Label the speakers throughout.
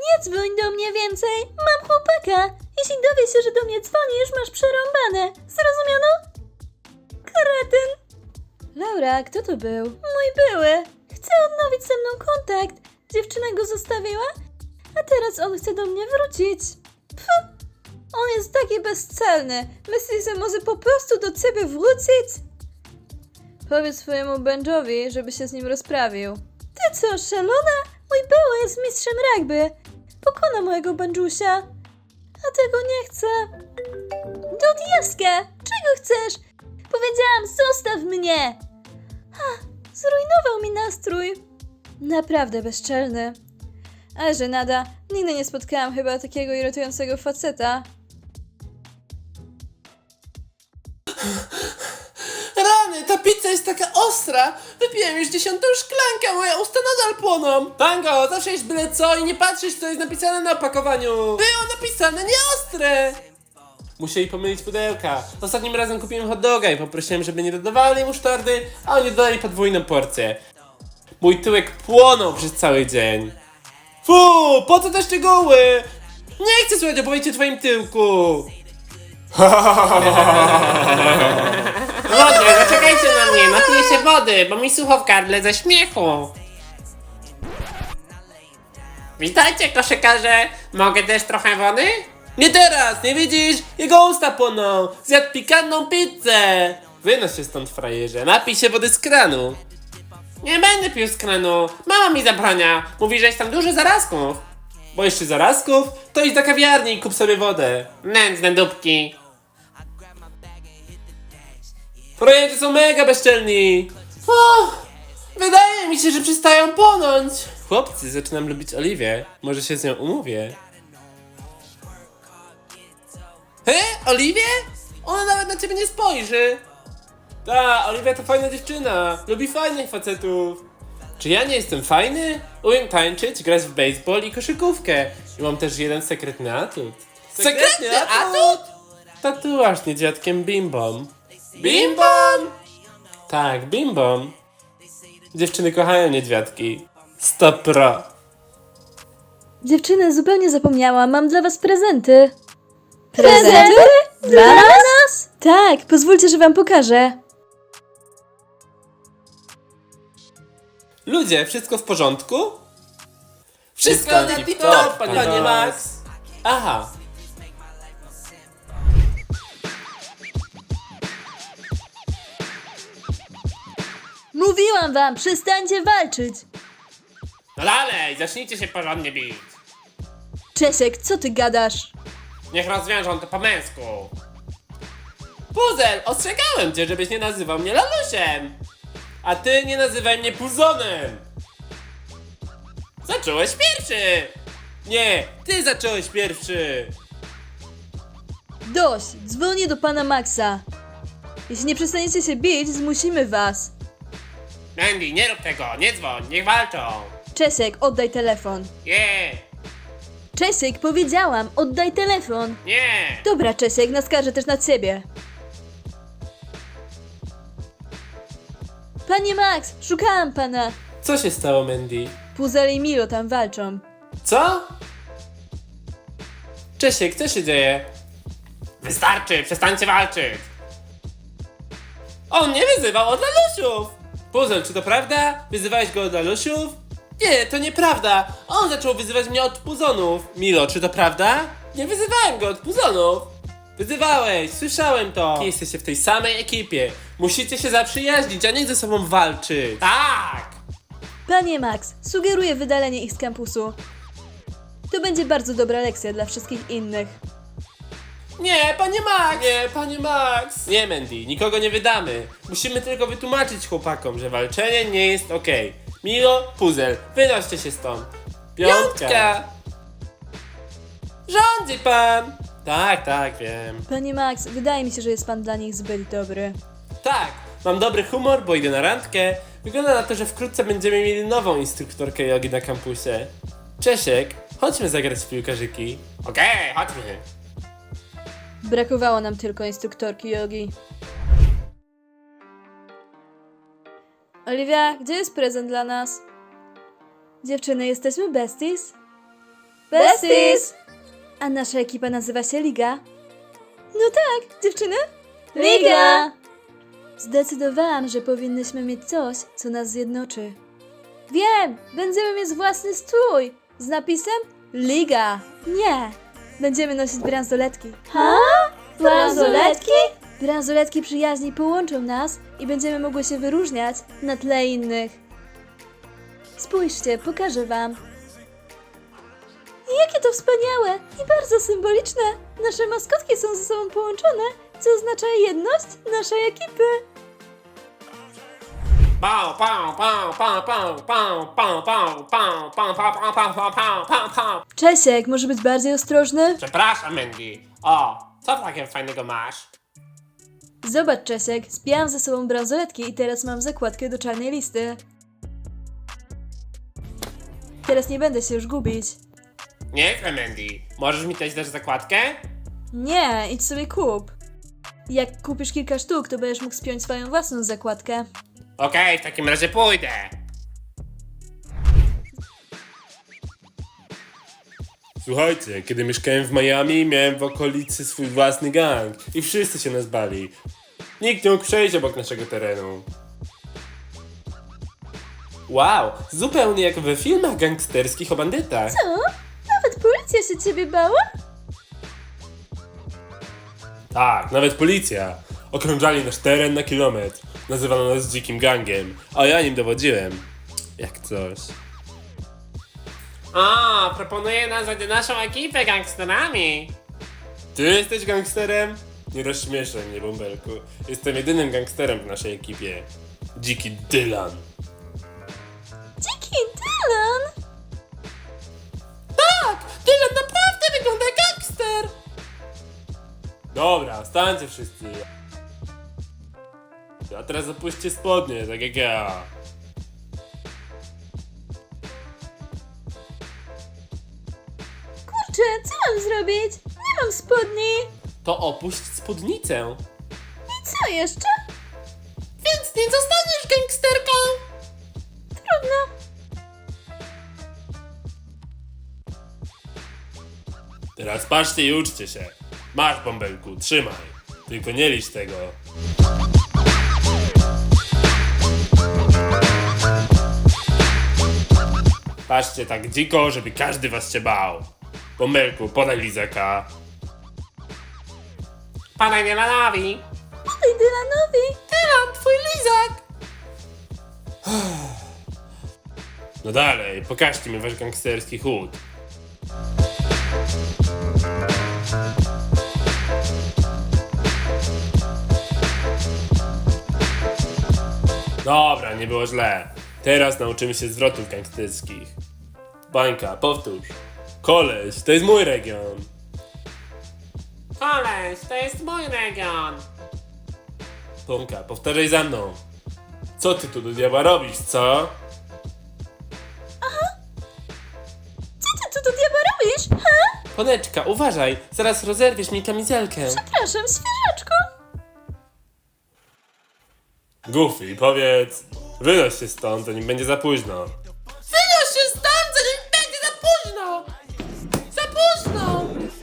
Speaker 1: Nie dzwoń do mnie więcej, mam chłopaka. Jeśli dowie się, że do mnie dzwonisz, masz przerąbane. Zrozumiano? Kretyn. Laura, kto to był? Mój były. Chce odnowić ze mną kontakt. Dziewczyna go zostawiła, a teraz on chce do mnie wrócić. Pff, on jest taki bezcelny. Myślisz, że może po prostu do ciebie wrócić? Powiedz swojemu Benjowi, żeby się z nim rozprawił. Ty co, szalona? Mój były jest mistrzem rugby. Pokona mojego Benjusia. A tego nie chcę. Do diaska! Czego chcesz? Powiedziałam, zostaw mnie! Ha, zrujnował mi nastrój. Naprawdę bezczelny. Ale żenada, nigdy nie spotkałam chyba takiego irytującego faceta.
Speaker 2: Rany, ta pizza jest taka ostra! Wypiłem już 10. szklankę, a moje usta nadal płoną! Tango, zawsze jest byle co i nie patrzysz, co jest napisane na opakowaniu! Było napisane nieostre! Musieli pomylić pudełka. Ostatnim razem kupiłem hot doga i poprosiłem, żeby nie dodawali musztardy, a oni dodali podwójną porcję. Mój tyłek płonął przez cały dzień. Fu, po co te szczegóły? Nie chcę słuchać opowieści o twoim tyłku!
Speaker 3: Ludzie, zaczekajcie na mnie, napiję się wody, bo mi sucho w gardle ze śmiechu. Witajcie, koszykarze, mogę też trochę wody?
Speaker 2: Nie teraz, nie widzisz? Jego usta płoną! Zjadł pikantną pizzę! Wynoś się stąd, frajerze, napij się wody z kranu!
Speaker 3: Nie będę pił z kranu, mama mi zabrania, mówi, że jest tam dużo zarazków.
Speaker 2: Boisz się zarazków? To idź do kawiarni i kup sobie wodę.
Speaker 3: Nędzne dupki.
Speaker 2: Frajerzy są mega bezczelni! Wydaje mi się, że przestają płonąć! Chłopcy, zaczynam lubić Oliwię. Może się z nią umówię. Oliwię? Ona nawet na ciebie nie spojrzy! Ta, Oliwia to fajna dziewczyna. Lubi fajnych facetów. Czy ja nie jestem fajny? Umiem tańczyć, grać w baseball i koszykówkę. I mam też jeden sekretny atut. Sekretny atut? Tatuaż z niedźwiadkiem Bimbom. Bimbom? Tak, Bimbom. Dziewczyny kochają niedźwiadki. 100 pro.
Speaker 1: Dziewczyny, zupełnie zapomniałam, mam dla was prezenty. Prezenty? Dla nas? Tak, pozwólcie, że wam pokażę.
Speaker 2: Ludzie, wszystko w porządku? Wszystko na tip-top, panie Max. Aha.
Speaker 1: Mówiłam wam, przestańcie walczyć.
Speaker 3: No dalej, zacznijcie się porządnie bić.
Speaker 1: Czesiek, co ty gadasz?
Speaker 3: Niech rozwiążą to po męsku.
Speaker 2: Puzel, ostrzegałem cię, żebyś nie nazywał mnie lalusiem. A ty nie nazywaj mnie puzonem. Zacząłeś pierwszy. Nie, ty zacząłeś pierwszy.
Speaker 1: Dość, dzwonię do pana Maxa. Jeśli nie przestaniecie się bić, zmusimy was.
Speaker 3: Mandy, nie rób tego, nie dzwoń, niech walczą.
Speaker 1: Czesiek, oddaj telefon.
Speaker 3: Nie,
Speaker 1: Czesiek, powiedziałam, oddaj telefon.
Speaker 3: nie.
Speaker 1: Dobra, Czesiek, naskarżę też na ciebie. Panie Max, szukałam pana.
Speaker 2: Co się stało, Mandy?
Speaker 1: Puzel i Milo tam walczą.
Speaker 2: Co? Czesiek, co się dzieje?
Speaker 3: Wystarczy, przestańcie walczyć.
Speaker 2: On nie wyzywał od lalusiów! Puzel, czy to prawda? Wyzywałeś go od lalusiów? Nie, to nieprawda. On zaczął wyzywać mnie od puzonów. Milo, czy to prawda? Nie wyzywałem go od puzonów. Wyzywałeś, słyszałem to. Jesteście w tej samej ekipie. Musicie się zaprzyjaźnić, a nie ze sobą walczyć.
Speaker 3: Tak.
Speaker 1: Panie Max, sugeruję wydalenie ich z kampusu. To będzie bardzo dobra lekcja dla wszystkich innych.
Speaker 2: Nie, panie Max! Nie, panie Max! Nie, Mandy, nikogo nie wydamy. Musimy tylko wytłumaczyć chłopakom, że walczenie nie jest okej. Milo, Puzel, wynoście się stąd. Piątka! Rządzi pan! Tak, tak, wiem.
Speaker 1: Panie Max, wydaje mi się, że jest pan dla nich zbyt dobry.
Speaker 2: Tak, mam dobry humor, bo idę na randkę. Wygląda na to, że wkrótce będziemy mieli nową instruktorkę jogi na kampusie. Czesiek, chodźmy zagrać w piłkarzyki.
Speaker 3: Okej, chodźmy.
Speaker 1: Brakowało nam tylko instruktorki jogi. Oliwia, gdzie jest prezent dla nas? Dziewczyny, jesteśmy besties? Besties! A nasza ekipa nazywa się Liga. No tak, dziewczyny? Liga! Zdecydowałam, że powinnyśmy mieć coś, co nas zjednoczy. Wiem! Będziemy mieć własny strój z napisem Liga. Nie! Będziemy nosić bransoletki. Ha? Bransoletki? Bransoletki przyjaźni połączą nas i będziemy mogły się wyróżniać na tle innych. Spójrzcie, pokażę wam. Jakie to wspaniałe i bardzo symboliczne! Nasze maskotki są ze sobą połączone, co oznacza jedność naszej ekipy.
Speaker 3: Pau, pau, pau, pau, pau, pau, pau, pau, pau, pau, pau, pau, pau, pau, pau, pau, pau.
Speaker 1: Czesiek, może być bardziej ostrożny?
Speaker 3: Przepraszam, Mandy. O, co takiego fajnego masz?
Speaker 1: Zobacz, Czesiek, zbijałam ze sobą bransoletki i teraz mam zakładkę do czarnej listy. Teraz nie będę się już gubić.
Speaker 3: Nieźle, Mandy. Możesz mi też dać zakładkę?
Speaker 1: Nie, idź sobie kup. Jak kupisz kilka sztuk, to będziesz mógł spiąć swoją własną zakładkę.
Speaker 3: Okej, w takim razie pójdę.
Speaker 2: Słuchajcie, kiedy mieszkałem w Miami, miałem w okolicy swój własny gang i wszyscy się nas bali. Nikt nie mógł przejść obok naszego terenu. Wow, zupełnie jak we filmach gangsterskich o bandytach.
Speaker 1: Co? Nawet policja się ciebie bała?
Speaker 2: Tak, nawet policja. Okrążali nasz teren na kilometr. Nazywano nas dzikim gangiem, a ja nim dowodziłem. Jak coś.
Speaker 3: O, proponuję nazwać naszą ekipę gangsterami.
Speaker 2: Ty jesteś gangsterem? Nie rozśmieszaj mnie, bąbelku. Jestem jedynym gangsterem w naszej ekipie. Dziki Dylan.
Speaker 1: Dziki Dylan!
Speaker 2: Tak! Dylan naprawdę wygląda jak gangster! Dobra, stańcie wszyscy. A teraz opuśćcie spodnie, tak jak ja.
Speaker 1: Kurczę, co mam zrobić? Nie mam spodni.
Speaker 2: To opuść spódnicę.
Speaker 1: I co jeszcze?
Speaker 2: Więc nie zostaniesz gangsterką!
Speaker 1: Trudno.
Speaker 2: Teraz patrzcie i uczcie się. Masz, bąbelku, trzymaj. Tylko nie licz tego. Patrzcie tak dziko, żeby każdy was się bał. Bąbelku, podaj lizaka.
Speaker 3: Podaj Dylanowi.
Speaker 1: Podaj Dylanowi.
Speaker 2: Dylan, twój lizak! No dalej, pokażcie mi wasz gangsterski chód. Dobra, nie było źle. Teraz nauczymy się zwrotów gangsterskich. Bańka, powtórz. Koleś, to jest mój region.
Speaker 3: Koleś, to jest mój region.
Speaker 2: Tomka, powtarzaj za mną. Co ty tu do diabła robisz, co?
Speaker 1: Co ty tu do diabła robisz? Ha?
Speaker 2: Poneczka, uważaj, zaraz rozerwiesz mi kamizelkę.
Speaker 1: Przepraszam, świeżaczku.
Speaker 2: Goofy, powiedz, wynoś się stąd, zanim będzie za późno. Wynoś się stąd, zanim będzie za późno! Za późno!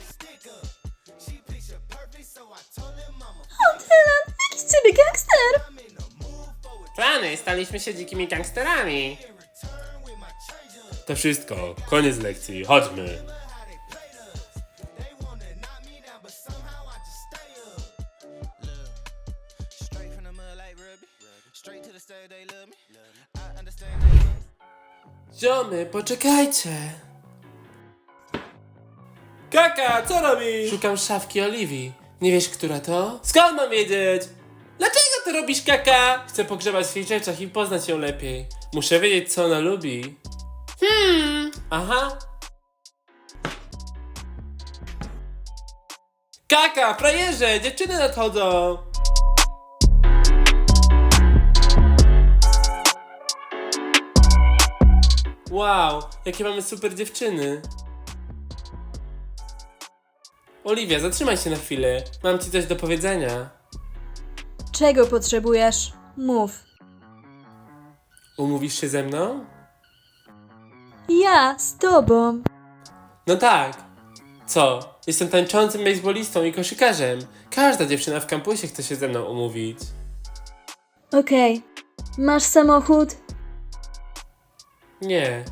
Speaker 1: O, Dylan, jakiś z ciebie gangster.
Speaker 3: Plany, staliśmy się dzikimi gangsterami.
Speaker 2: To wszystko, koniec lekcji, chodźmy.
Speaker 4: Straight from the mud like Ruby. Straight to the stage, they love me. I understand they love me.
Speaker 2: Ziomy, poczekajcie. Kaka, co robisz? Szukam szafki Oliwii. Nie wiesz, która to? Skąd mam wiedzieć? Dlaczego to robisz, Kaka? Chcę pogrzebać w jej rzeczach i poznać ją lepiej. Muszę wiedzieć, co ona lubi. Aha. Kaka, frajerze, dziewczyny nadchodzą. Wow, jakie mamy super dziewczyny. Oliwia, zatrzymaj się na chwilę. Mam ci coś do powiedzenia.
Speaker 1: Czego potrzebujesz? Mów.
Speaker 2: Umówisz się ze mną?
Speaker 1: Ja z tobą.
Speaker 2: No tak. Co? Jestem tańczącym baseballistą i koszykarzem. Każda dziewczyna w kampusie chce się ze mną umówić.
Speaker 1: Okej. Masz samochód?
Speaker 2: Nie.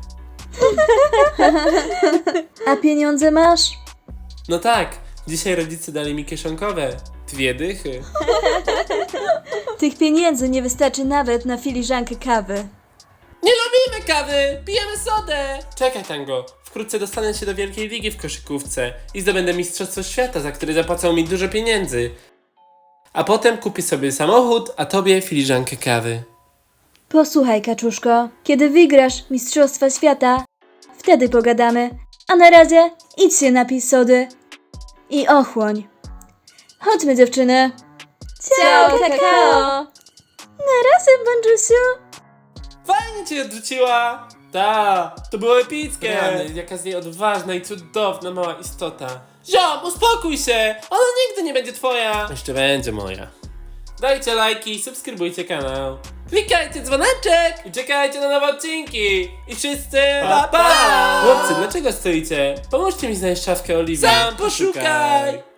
Speaker 1: A pieniądze masz?
Speaker 2: No tak. Dzisiaj rodzice dali mi kieszonkowe. 2 dychy.
Speaker 1: Tych pieniędzy nie wystarczy nawet na filiżankę kawy.
Speaker 2: Nie lubimy kawy! Pijemy sodę! Czekaj, Tango. Wkrótce dostanę się do Wielkiej Ligi w koszykówce i zdobędę Mistrzostwo Świata, za które zapłacą mi dużo pieniędzy. A potem kupię sobie samochód, a tobie filiżankę kawy.
Speaker 1: Posłuchaj, kaczuszko, kiedy wygrasz Mistrzostwa Świata, wtedy pogadamy. A na razie idź się napij sody i ochłoń. Chodźmy, dziewczyny. Ciao, kakao! Na razie, Bądżusiu.
Speaker 2: Fajnie cię odrzuciła! Ta, to było epickie! Rany, jaka z niej odważna i cudowna mała istota. Ziom, uspokój się! Ona nigdy nie będzie twoja! Jeszcze będzie moja. Dajcie lajki, subskrybujcie kanał. Klikajcie dzwoneczek i czekajcie na nowe odcinki. I wszyscy pa pa! Chłopcy, dlaczego stoicie? Pomóżcie mi znaleźć szafkę Oliwii. Sam poszukaj!